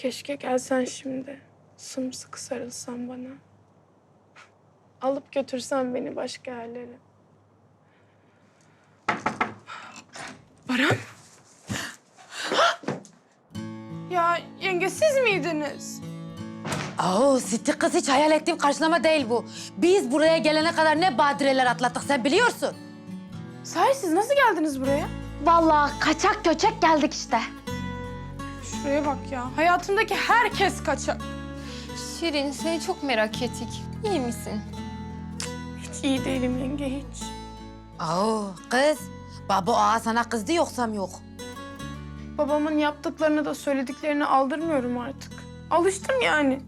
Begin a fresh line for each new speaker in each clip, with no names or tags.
Keşke gelsen şimdi. Sımsıkı sarılsan bana. Alıp götürsen beni başka yerlere. Baran? Ya yenge siz miydiniz?
Siti kız, hiç hayal ettiğim karşılama değil bu. Biz buraya gelene kadar ne badireler atlattık sen biliyorsun.
Sahi siz nasıl geldiniz buraya?
Vallahi kaçak göçek geldik işte.
Şuraya bak ya. Hayatımdaki herkes kaçak.
Şirin, seni çok merak ettik. İyi misin?
Hiç iyi değilim yenge hiç.
Kız, baba ağa sana kızdı yoksam yok.
Babamın yaptıklarını da söylediklerini aldırmıyorum artık. Alıştım yani.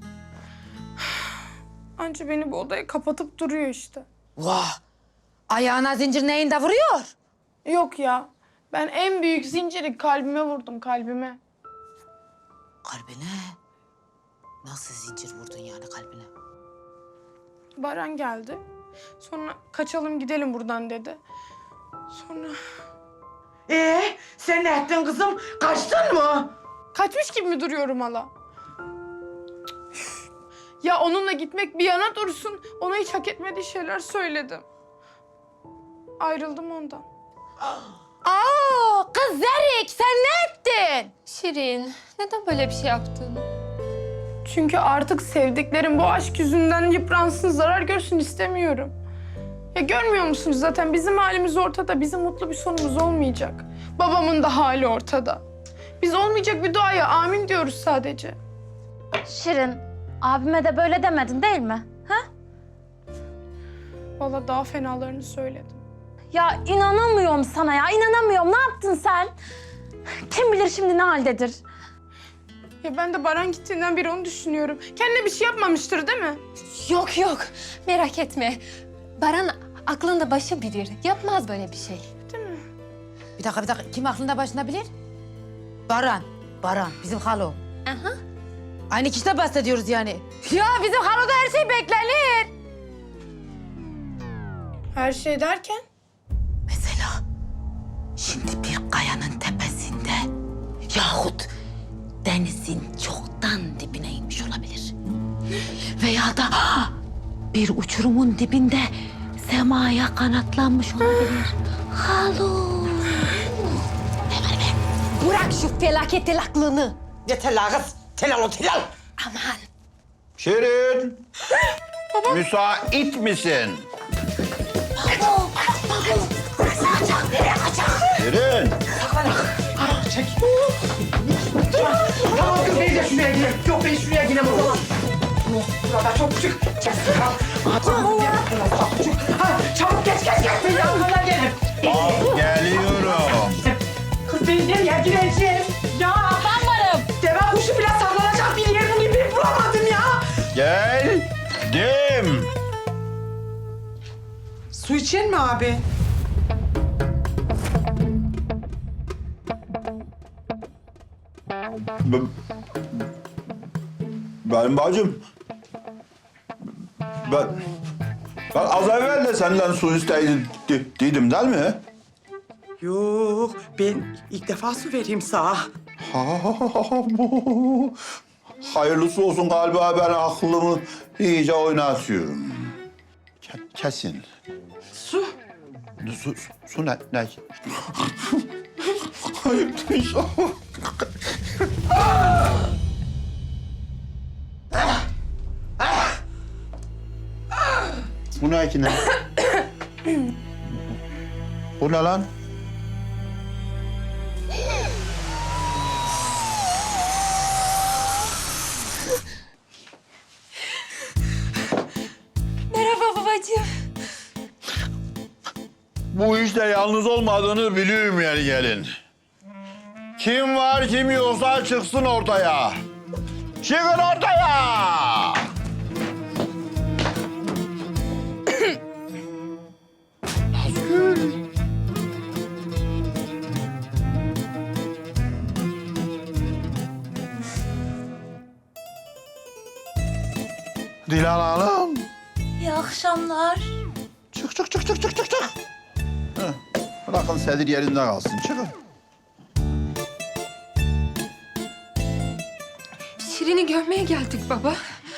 Anca beni bu odaya kapatıp duruyor işte.
Vah, ayağına zincir neyinde vuruyor?
Yok ya. Ben en büyük zinciri kalbime vurdum, kalbime.
Kalbine? Nasıl zincir vurdun yani kalbine?
Baran geldi. Sonra kaçalım gidelim buradan dedi. Sonra
Sen ne ettin kızım? Kaçtın mı?
kaçmış gibi mi duruyorum hala? Ya onunla gitmek bir yana dursun. Ona hiç hak etmediği şeyler söyledim. Ayrıldım ondan.
Kız Zerik, sen ne ettin?
Şirin, neden böyle bir şey yaptın?
Çünkü artık sevdiklerim bu aşk yüzünden yıpransın, zarar görsün istemiyorum. Ya görmüyor musunuz zaten bizim halimiz ortada. Bizim mutlu bir sonumuz olmayacak. Babamın da hali ortada. Biz olmayacak bir duaya amin diyoruz sadece.
Şirin, abime de böyle demedin değil mi? Ha?
Vallahi daha fenalarını söyledim.
Ya inanamıyorum sana ya, inanamıyorum. Ne yaptın sen? Kim bilir şimdi ne haldedir?
Ya ben de Baran gittiğinden beri onu düşünüyorum. Kendine bir şey yapmamıştır değil mi?
Yok yok, merak etme. Baran aklında başı bilir. Yapmaz böyle bir şey.
Değil mi?
Bir dakika. Kim aklında başında bilir? Baran, bizim halo.
Aha.
Aynı kişiden bahsediyoruz yani. Ya bizim haloda her şey beklenir.
Her şey derken?
Mesela şimdi bir kayanın tepesinde yahut denizin çoktan dibine inmiş olabilir. Veya da bir uçurumun dibinde semaya kanatlanmış olabilir. Halo. Ne var be? Bırak şu felaket aklını.
Yeter la kız. Telal o telal.
Aman.
Şirin. Müsait misin? Şirin.
Çek. Tamam kız ben de şuraya gireyim. Yok ben şuraya gireyim o zaman. Burada çok küçük. Çek. Tamam. Çabuk geç. Ben yanına gelirim.
Geliyorum.
Kız ben nereye gireceğim? Ya ben varım. Deve kuşu bile saklanacak bir yer bulamadım ya.
Geldim.
Su içer mi abi?
Benim bacım. Ben az evvel de senden su isteydim değil mi?
Yok ben ilk defa su vereyim sana.
Hayırlısı olsun galiba, ben aklımı iyice oynatıyorum. Kesin.
Su.
Su ne? Hayırdır inşallah. Bu ne ki ne? Bu ne lan?
Merhaba babacığım.
Bu işte yalnız olmadığını biliyorum yani gelin. Kim var kim yoksa çıksın ortaya. Çıkın ortaya! Nazgül. Dilan Hanım.
İyi akşamlar.
Çık. Heh, bırakın sedir yerinde kalsın. Çıkın.
Şirin'i görmeye geldik baba.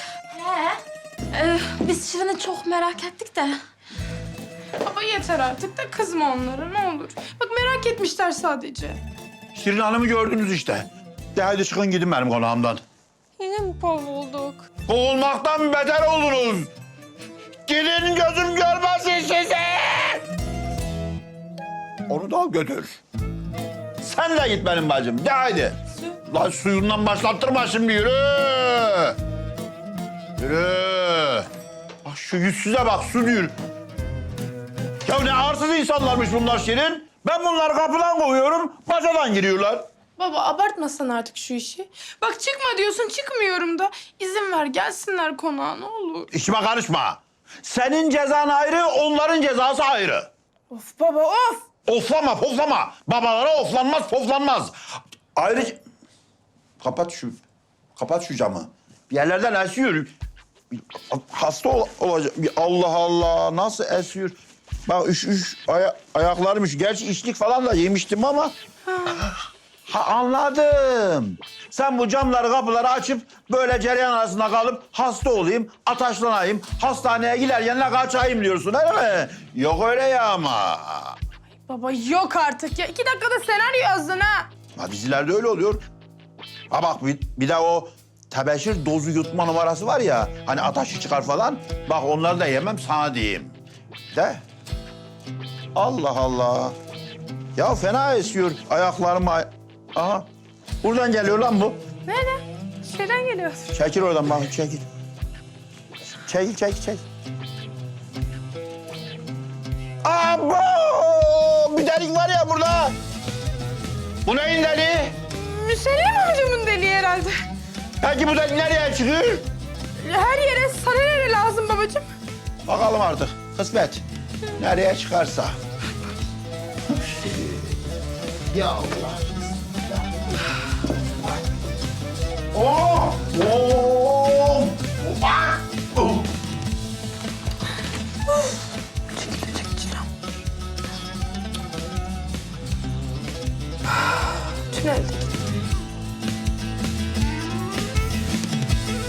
Biz Şirin'i çok merak ettik de.
Baba yeter artık da kızma onlara ne olur. Bak merak etmişler sadece.
Şirin Hanım'ı gördünüz işte. De hadi çıkın gidin benim konağımdan.
Yine mi kovulduk?
Kovulmaktan beter oldunuz. Gidin gözüm görmesin sizi. Onu da al götür. Sen de git benim bacım. De haydi. Lan suyundan başlattırma şimdi yürü. Yürü. Bak şu yüzsüze bak su diyor. Ya ne arsız insanlarmış bunlar Şirin. Ben bunları kapıdan kovuyorum, bacadan giriyorlar.
Baba abartmasan artık şu işi. Bak çıkma diyorsun çıkmıyorum da. İzin ver gelsinler konağa ne olur.
İşime karışma. Senin cezan ayrı, onların cezası ayrı.
Of baba of.
Oflama, poflama. Babalara oflanmaz, poflanmaz. Ayrıca... Kapat şu camı. Bir yerlerden esiyor. Hasta olacak. Allah Allah, nasıl esiyor? Bak ayaklarım. Gerçi içlik falan da yemiştim ama... Ha anladım. Sen bu camları, kapıları açıp böyle cereyan arasında kalıp hasta olayım, ataşlanayım, hastaneye giderken de kaçayım diyorsun öyle mi? Yok öyle ya ama.
Baba yok artık ya. 2 dakikada senaryo yazdın ha.
Ha dizilerde öyle oluyor. Ha bak bir de o tebeşir dozu yutma numarası var ya, hani ataşı çıkar falan. Bak onları da yemem sana diyeyim. De. Allah Allah. Ya fena esiyor ayaklarım. Aha. Buradan geliyor lan bu.
Nerede? Şeyden geliyor.
Çekil oradan bak, çekil. Çekil. Abo! Bir delik var ya burada. Bu neyin deliği?
Müsellim amcamın deliği herhalde.
Peki bu delik nereye çıkıyor?
Her yere sana nere lazım babacığım?
Bakalım artık. Kısmet. Nereye çıkarsa. Ya Allah. Oh! Oh! Ah! Oh!
Tüneldeki.